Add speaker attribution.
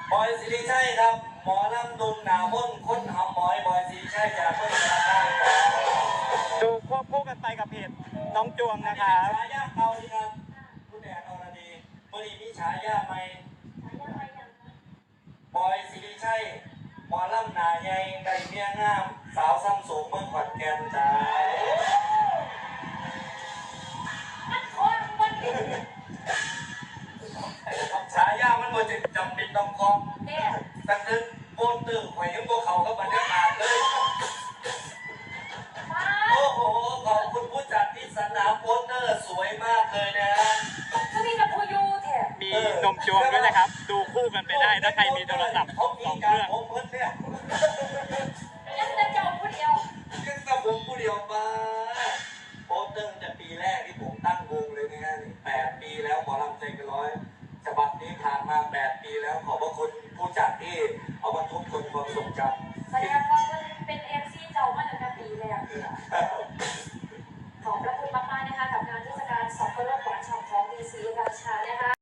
Speaker 1: บอยสิริชัยครับหมอลำดุงหนาม่นค้นหำหมอยบอยสิริชัยจากเมืองสารคาม
Speaker 2: ดูควบคู่กันไปกับเพจน้องจวงนะครับ
Speaker 1: ฉายาเก่าดีครับคุณแดดอรดีเมื่อนี้มีฉายาใหม่บอยสิริชัยหมอลำหนาใหญ่ไก่เมียงามสาวซ้ำสูงเมืองขอนแก่นจ้าฉายามันบ่จะจำเป็นต้องคล้องตั้งแต่โปนตื่นหวยยังพวกเขาก็บรรยากาศเลยโอ้โหขอบคุณผู้จัดที่สนามโปสเตอร์สวยมากเลยนะ
Speaker 3: ก็มีกับพูยูแถม
Speaker 2: มีนมจวงด้วยนะครับ ดูคู่กันไปได้ถ้าใครมีโทรศัพท์2 เครื่อง
Speaker 1: ผมเพิ่นเนี่ย
Speaker 3: ยังจะเจ้าผู้เดียว
Speaker 1: ยังแต่ผมผู้เดียวมาโปสเตอร์แต่ปีแรกที่ผมตั้งวงเลยนะฮะ8 ปีแล้วหมอลำใจเกินร้อยฉบับนี้ผ่านมา8 ปีแล้วขอบพระคุณผู้จัดที่เอามาทบทวนความทรงจำ
Speaker 3: แสดงว่าเป็นเอฟซีเจ้ามาตั้งแต่ปีแรกขอบพระคุณมากๆนะคะกับงานเทศกาลสับปะรดหวานฉ่ำของดีซีราชานะคะ